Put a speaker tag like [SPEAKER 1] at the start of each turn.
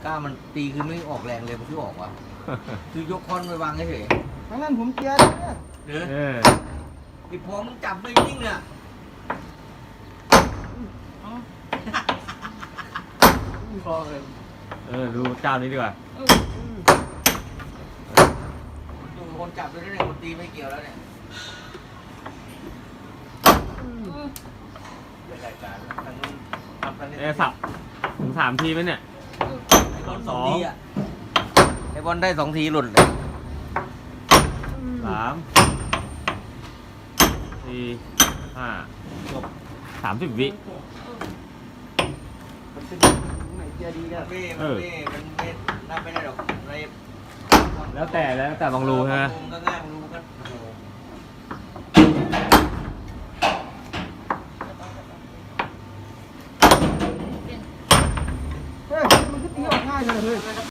[SPEAKER 1] ล้ามันตีคือไม่ออกแรงเลยมันคือออกวะ คือยกค้อนไปวางเฉย
[SPEAKER 2] ทั้งนั้นผมเกียร์เนี่ย
[SPEAKER 1] ๆเด้อ
[SPEAKER 3] เออ
[SPEAKER 1] ไอ้พอมึงจับไม่นิ่งเนี่ย
[SPEAKER 2] พอเลย
[SPEAKER 3] ดูเจ้านี้ดีกว่า
[SPEAKER 1] ดูคนจับด้วยเนี่ยคนตีไม่เกี่ยวแล้วเนี่ยเป็นรายการทางนู้นทำกัน
[SPEAKER 3] สับถึง3 ทีไหมเนี่ย
[SPEAKER 1] ไอ้บอล2 ทีอ่ะไอ้บอลได้2 ทีหลุดเลย
[SPEAKER 3] 3 4 5
[SPEAKER 1] จบ
[SPEAKER 3] 30 วิ
[SPEAKER 2] มันเป็นไหนเกียร์ดีกัน
[SPEAKER 1] มันไม่นับไม่ได้หรอกอะไร
[SPEAKER 3] แล้วแต่บางรูใช่ไหม
[SPEAKER 1] มันก็ง่ายบางรูก็โอ้โห
[SPEAKER 2] เฮ้ยมันก็ตีออกง่ายเลย